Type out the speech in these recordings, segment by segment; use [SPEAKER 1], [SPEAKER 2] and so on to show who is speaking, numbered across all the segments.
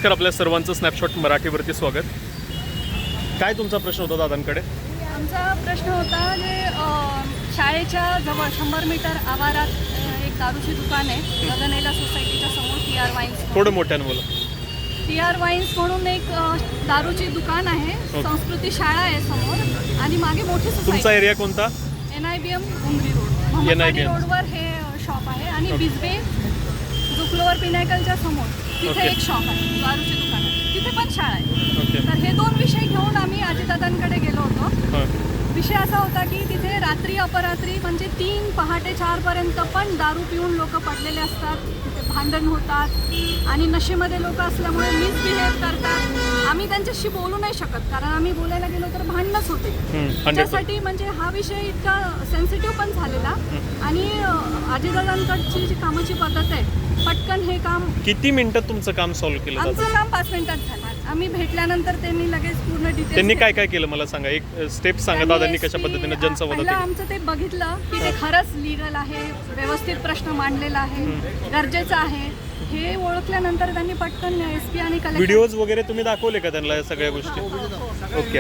[SPEAKER 1] नमस्कार, आपल्या सर्वांचं स्नॅपशॉट मराठीवरती स्वागत. काय तुमचा प्रश्न होता दादांकडे?
[SPEAKER 2] आमचा प्रश्न होता जे शाळेच्या जवळ 100 मीटर आवारात एक दारूची दुकान आहे, गगनेला सोसायटीच्या समोर TR वाईन्स.
[SPEAKER 1] थोडं मोठ्यानं बोला.
[SPEAKER 2] TR वाईन्स म्हणून एक दारूची दुकान आहे, संस्कृती शाळा आहे समोर आणि मागे मोठी
[SPEAKER 1] तुमचा
[SPEAKER 2] सोसायटी.
[SPEAKER 1] एरिया कोणता?
[SPEAKER 2] NIBM उमरी रोड, मोहम्मदवाडी रोडवर हे शॉप आहे आणि बिजबे जुकलोवर पिनायकलच्या समोर तिथे एक शॉप आहे, दारूची दुकान आहे, तिथे पण शाळा आहे. तर हे दोन विषय घेऊन आम्ही अजितदादांकडे गेलो होतो. विषय असा होता की तिथे रात्री अपरात्री म्हणजे 3 पहाटे 4 पर्यंत पण दारू पिऊन लोक पडलेले असतात, तिथे भांडण होतात आणि नशेमध्ये लोक असल्यामुळे मिसबिहेव करतात. आम्ही त्यांच्याशी बोलू नाही शकत, कारण आम्ही बोलायला गेलो तर भांडणच होते. त्याच्यासाठी म्हणजे हा विषय इतका सेन्सिटिव्ह पण झालेला आणि अजितदादांकडची जी कामाची पद्धत आहे, पटकन हे काम.
[SPEAKER 1] किती मिनिटात तुमचं काम सॉल्व्ह केलं?
[SPEAKER 2] आमचं काम 5 मिनिटात झालं. आम्ही भेटल्यानंतर त्यांनी लगेच पूर्ण डिटेल्स.
[SPEAKER 1] त्यांनी काय काय केलं मला सांगा, एक स्टेप सांगा दादांनी कशा पद्धतीने जनसंवाद.
[SPEAKER 2] आमचं ते बघितलं की ते खरंच लीगल आहे, व्यवस्थित प्रश्न मांडलेला आहे, गरजेचं आहे हे ओळखल्यानंतर त्यांनी पटकन SP आणि कलेक्टर.
[SPEAKER 1] व्हिडिओज वगैरे तुम्ही दाखवले का त्यांना या सगळ्या गोष्टी? ओके,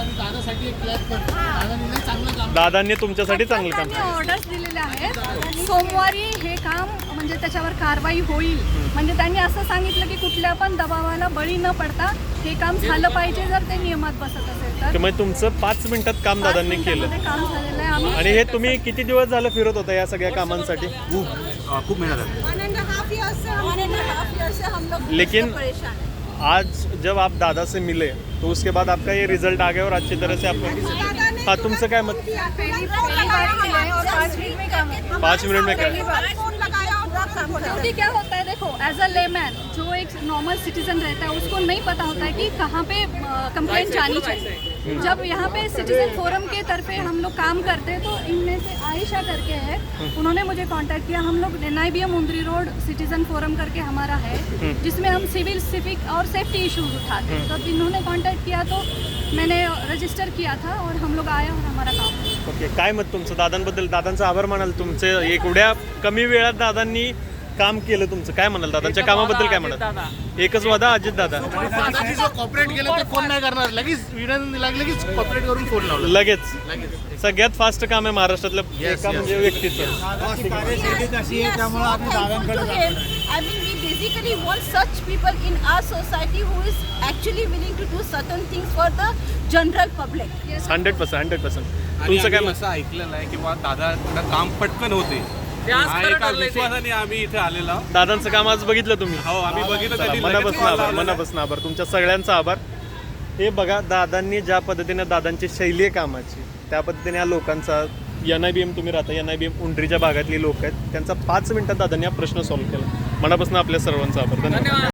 [SPEAKER 1] दादांनी तुमच्यासाठी चांगलं काम केलं.
[SPEAKER 2] ऑर्डर्स दिलेले आहेत, सोमवारी हे काम म्हणजे त्याच्यावर कारवाई होईल. म्हणजे त्यांनी असं सांगितलं की कुठल्या पण दबावाला बळी न पडता हे काम झालं पाहिजे, जर ते नियमात बसत असेल तर.
[SPEAKER 1] त्यामुळे तुमचं 5 मिनिटात काम दादांनी केलं.
[SPEAKER 2] काम झालेलं आहे. आम्ही
[SPEAKER 1] आणि हे तुम्ही किती दिवस झालं फिरत होता या सगळ्या कामांसाठी?
[SPEAKER 3] खूप मेहनत है।
[SPEAKER 2] 1.5 years से हम लोग
[SPEAKER 1] लेकिन
[SPEAKER 2] परेशान हैं।
[SPEAKER 1] आज जब आप दादा से मिले तो उसके बाद आपका ये रिजल्ट आ गया और अच्छी तरह से आप. हाँ, तुमचं काय मत?
[SPEAKER 2] पहली बार मिले हैं और 5 मिनट में काम है।
[SPEAKER 1] 5 मिनट में
[SPEAKER 2] पहली
[SPEAKER 1] काय?
[SPEAKER 2] बार फोन लगाया और क्योंकि क्या होता है, देखो एज अ लेमैन जो एक नॉर्मल सिटीजन रहता है उसको नहीं पता होता है कि कहाँ पे कंप्लेंट जानी चाहिए. जब यहाँ पे सिटीजन फोरम के तरफे हम लोग काम करते हैं तो इनमें से आयशा करके है, उन्होंने मुझे कांटेक्ट किया. हम लोग NIBM Umri road citizen forum करके हमारा है, जिसमें हम सिविल सिविक और सेफ्टी इश्यूज उठाते हैं. तो इन्होंने कांटेक्ट किया तो मैंने रजिस्टर किया था और हम लोग आए और हमारा काम.
[SPEAKER 1] ओके, काय मत तुमचं दादांबद्दल? दादांचा आभार मानाल तुमचे, एवढ्या कमी वेळात दादांनी काम केलं तुमचं, काय म्हणाल दादांच्या कामाबद्दल? काय म्हणाल? एकच वादा अजित दादा
[SPEAKER 3] कॉपरेट केलं ते फोन नाही करणार, लगेच लगेच कॉपरेट करून फोन लावला.
[SPEAKER 1] लगेच सगळ्यात फास्ट काम आहे महाराष्ट्रातलं एका म्हणजे व्यक्तीचं.
[SPEAKER 4] I mean, we basically want such people in our society who is actually willing to do certain things for the general public.
[SPEAKER 1] 100%. तुमचं काय मत?
[SPEAKER 5] असं ऐकलेलं आहे की बा दादा काम पटकन होते, एका विश्वासाने आम्ही इथे आलेलो आहोत.
[SPEAKER 1] दादांचं काम आज बघितलं तुम्ही?
[SPEAKER 5] हो, आम्ही बघितलं. त्यांनी
[SPEAKER 1] मनापासून आभार तुमच्या सगळ्यांचा आभार. हे बघा, दादांनी ज्या पद्धतीने दादांची शैली आहे कामाची, त्या पद्धतीने या लोकांचा NIBM तुम्ही राहता, NIBM उंडरीच्या भागातली लोक आहेत, त्यांचा 5 मिनिटात दादांनी हा प्रश्न सॉल्व्ह केला. मनापासून आपल्या सर्वांचा आभार. धन्यवाद.